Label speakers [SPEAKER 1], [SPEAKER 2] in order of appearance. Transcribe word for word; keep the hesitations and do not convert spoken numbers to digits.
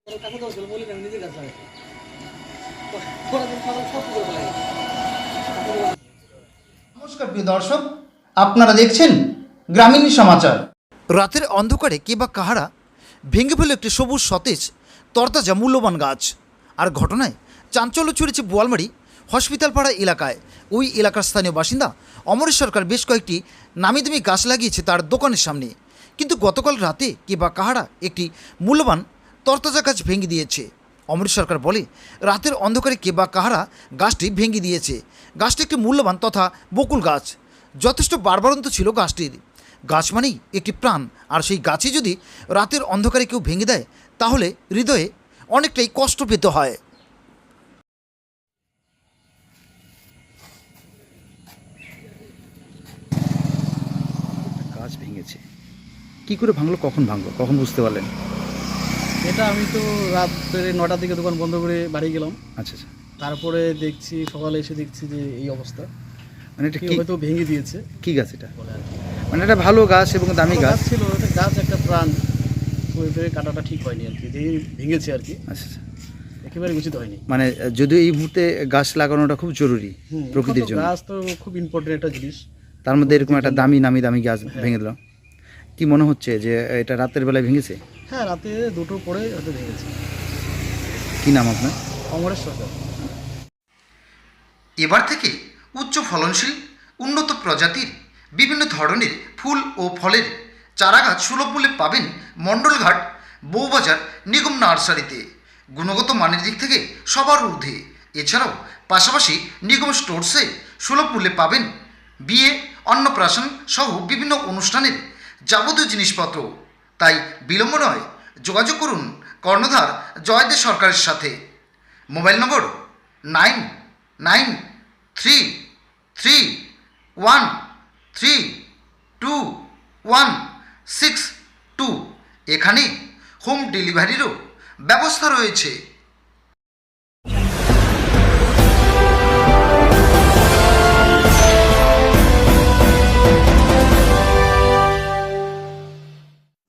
[SPEAKER 1] নমস্কার প্রিয় দর্শক, আপনারা দেখছেন গ্রামীণ সমাচার।
[SPEAKER 2] রাতের অন্ধকারে কে বা কাহারা ভেঙে ফেলে একটি সবুজ সতেজ তরতাজা মূল্যবান গাছ। আর ঘটনায় চাঞ্চল্য ছড়িয়েছে বোয়ালমারি হসপিটাল পাড়া এলাকায়। ওই এলাকার স্থানীয় বাসিন্দা অমরেশ সরকার বেশ কয়েকটি নামিদামি গাছ লাগিয়েছে তার দোকানের সামনে। কিন্তু গতকাল রাতে কে বা কাহারা একটি মূল্যবান তরতাজা গাছ ভেঙে দিয়েছে। অমরেশ সরকার বলে, রাতের অন্ধকারে কে বা কাহারা গাছটি ভেঙে দিয়েছে। গাছটি একটি মূল্যবান তথা বকুল গাছ, যথেষ্ট বাড়বাড়ন্ত ছিল গাছটির। গাছ মানেই একটি প্রাণ, আর সেই গাছে যদি রাতের অন্ধকারে কেউ ভেঙে দেয় তাহলে হৃদয়ে অনেকটাই কষ্ট পেতে হয়।
[SPEAKER 3] গাছ ভেঙেছে, কি করে ভাঙলো, কখন ভাঙলো, কখন বুঝতে পারলেন?
[SPEAKER 4] এটা আমি তো রাত্রে নটার দিকে দোকান বন্ধ করে বাড়ি গেলাম।
[SPEAKER 3] আচ্ছা আচ্ছা,
[SPEAKER 4] তারপরে দেখছি, সকালে এসে দেখছি যে এই অবস্থা,
[SPEAKER 3] মানে এটা
[SPEAKER 4] কেউ
[SPEAKER 3] কি
[SPEAKER 4] হয়তো ভেঙে দিয়েছে
[SPEAKER 3] কি গাছ এটা?
[SPEAKER 4] বলে আর কি।
[SPEAKER 3] মানে এটা ভালো গাছ এবং দামি
[SPEAKER 4] ভালো
[SPEAKER 3] গাছ।
[SPEAKER 4] ছিল, এটা গাছ একটা প্রাণ, তো এবারে কাটাটা ঠিক হয়নি আর কি, যে ভেঙেছে আর কি,
[SPEAKER 3] আচ্ছা আচ্ছা,
[SPEAKER 4] একেবারে উচিত হয়নি।
[SPEAKER 3] মানে যদিও এই মুহূর্তে গাছ লাগানোটা খুব জরুরি
[SPEAKER 4] হুম,
[SPEAKER 3] প্রকৃতির
[SPEAKER 4] এখন তো
[SPEAKER 3] জন্য,
[SPEAKER 4] গাছ তো খুব ইম্পর্টেন্ট একটা জিনিস।
[SPEAKER 3] তার মধ্যে এরকম একটা দামি নামি দামি গাছ
[SPEAKER 4] হ্যাঁ।
[SPEAKER 3] ভেঙে দিল। কি মনে হচ্ছে যে এটা রাতের বেলায় ভেঙেছে?
[SPEAKER 4] হ্যাঁ, রাতে দুটোর পরে হয়তো ভেঙেছে।
[SPEAKER 3] কি নাম আপনার?
[SPEAKER 4] অমরেশ সরকার।
[SPEAKER 2] এবার থেকে উচ্চ ফলনশীল উন্নত প্রজাতির বিভিন্ন ধরনের ফুল ও ফলের চারাগাছ সুলভ মূল্যে পাবেন মণ্ডলঘাট বউবাজার নিগম নার্সারিতে। গুণগত মানের দিক থেকে সবার ঊর্ধ্বে। এছাড়াও পাশাপাশি নিগম স্টোরসে সুলভ মূল্যে পাবেন বিয়ে, অন্নপ্রাশন সহ বিভিন্ন অনুষ্ঠানের যাবতীয় জিনিসপত্র। তাই বিলম্ব নয়, যোগাযোগ করুন কর্ণধার জয়দেব সরকারের সাথে। Mobile number nine nine three three one three two one six two. এখানে হোম ডেলিভারিরও ব্যবস্থা রয়েছে।